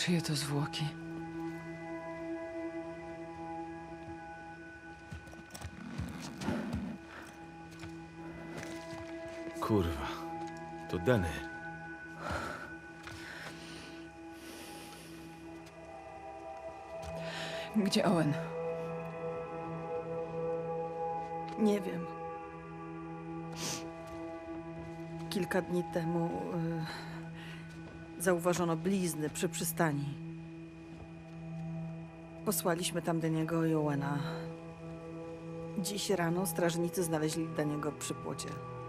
Czyje to zwłoki? Kurwa, to Denny. Gdzie Owen? Nie wiem. Kilka dni temu zauważono blizny przy przystani. Posłaliśmy tam Deniego i Owena. Dziś rano strażnicy znaleźli Deniego przy płocie.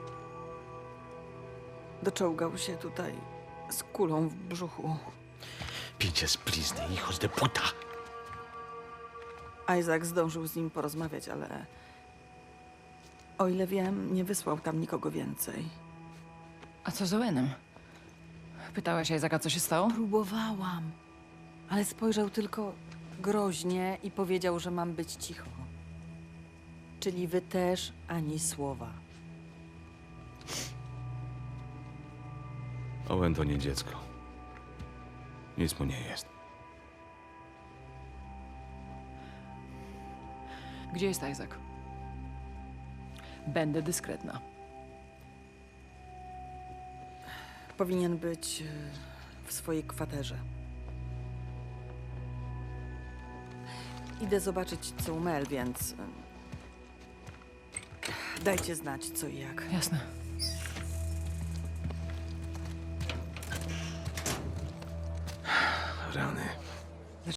Doczołgał się tutaj z kulą w brzuchu. Pinche splizny, hijos de puta. Isaac zdążył z nim porozmawiać, ale o ile wiem, nie wysłał tam nikogo więcej. A co z Owenem? Pytałaś Isaaca, co się stało? Próbowałam, ale spojrzał tylko groźnie i powiedział, że mam być cicho. Czyli wy też ani słowa. Owen to nie dziecko. Nic mu nie jest. Gdzie jest Isaac? Będę dyskretna. Powinien być w swojej kwaterze. Idę zobaczyć, co u Mel, więc dajcie znać, co i jak. Jasne. Rany.